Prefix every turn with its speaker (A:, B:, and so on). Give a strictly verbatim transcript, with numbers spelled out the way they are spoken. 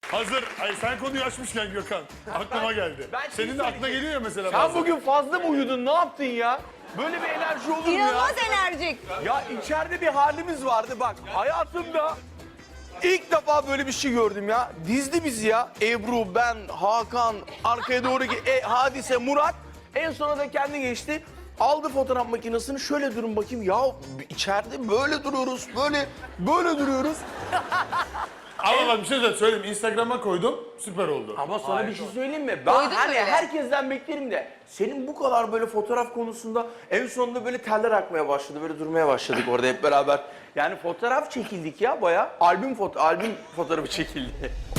A: Hazır. Ay sen konuyu açmışken Gökhan. Aklıma geldi.
B: ben şey
A: Senin de aklına
B: söyleyeceğim.
A: geliyor mesela
B: Sen
A: bazen.
B: bugün fazla mı uyudun? Ne yaptın ya? Böyle bir enerji olur mu ya?
C: İnanılmaz enerjik.
B: Ya içeride bir halimiz vardı bak. Hayatımda ilk defa böyle bir şey gördüm ya. Dizdi bizi ya. Ebru, ben, Hakan, arkaya doğru ki e, Hadise, Murat. En sona da kendi geçti. Aldı fotoğraf makinesini, şöyle durun bakayım. Ya içeride böyle duruyoruz, böyle böyle duruyoruz.
A: Ama bak bir şey de söyleyeyim. Instagram'a koydum. Süper oldu.
B: Ama sana bir şey söyleyeyim mi? Ben
C: Koydun mu
B: hani
C: öyle?
B: herkesten beklerim de senin bu kadar böyle fotoğraf konusunda en sonunda böyle teller akmaya başladı. Böyle durmaya başladık orada hep beraber. Yani fotoğraf çekildik ya bayağı. Albüm foto albüm fotoğrafı çekildi.